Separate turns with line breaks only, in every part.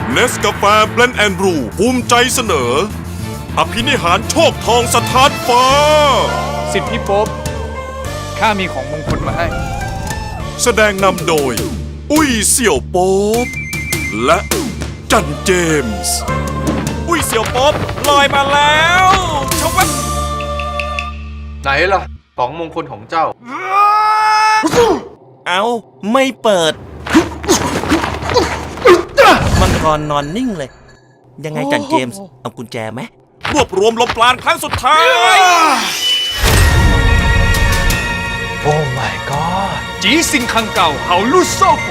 เนสกาแฟเบลนด์แอนด์บรูภูมิใจเสนอ อภินิหารโชคทองสถานฟ้า
สิทธิพี่โป๊บข้ามีของมงคลมาให้
แสดงนำโดย อุ้ยเสี่ยวโป๊บและจันเจมส์อุ้ยเสี่ยวโป๊บลอยมาแล้วชวับ
ไหนล่ะของมงคลของเจ้า
เอาไม่เปิด มังกรนอนนิ่งเลย ยังไงจันเจมส์เอากุญแจไหม
รวบรวมลมปราณครั้งสุดท้าย
โอ้ my god จีซิงคังเก่าเฮาลู่โซ่ฝู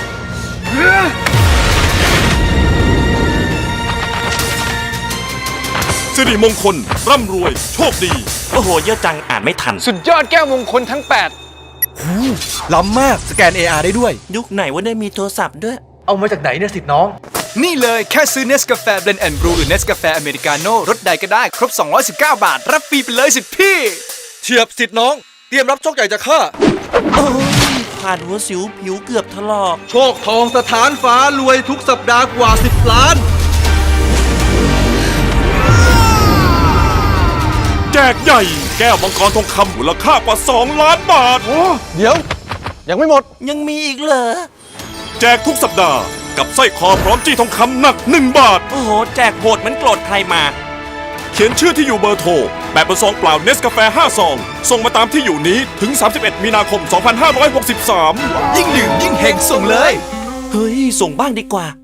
สิริมงคลร่ำรวยโชคดี
โอ้โหเยอะจังอ่านไม่ทัน
สุดยอดแก้วมงคลทั้ง
ล้ำมากสแกน AR ได้ด้วย
ยุคไหนว่าได้มีโทรศัพท์ด้วย
เอามาจากไหนเนี่ยสิทธิ์น้อง
นี่เลยแค่ซื้อเนสกาแฟเบลนด์แอนด์บรูหรือเนสกาแฟอเมริกาโน่รสใดก็ได้ครบ 219 บาท รับฟรีไปเลยสิพี่
เฉียบสิทธิ์น้อง เตรียมรับโชคใหญ่จากข้า
โอ้ยผ่านหัวสิวผิวเกือบถลอก
โชคทองสถานฟ้ารวยทุกสัปดาห์กว่า 10 ล้าน
แจกใหญ่แก้วมังกรทองคำมูลค่ากว่า2 ล้านบาท
เดี๋ยว ยังไม่หมด
ยังมีอีกเหรอ
แจกทุกสัปดาห์กับสร้อยคอพร้อมจี้ทองคำหนัก1 บาท
โอ้โห แจกโหดเหมือนโกรธใครมา
เขียนชื่อที่อยู่เบอร์โทรแบบเป็นซองเปล่าเนสกาแฟ5 ซอง ส่งมาตามที่อยู่นี้ถึง 31 มีนาคม 2563
ยิ่งดื่มยิ่งเฮงส่งเลย
เฮ้ย ส่งบ้างดีกว่า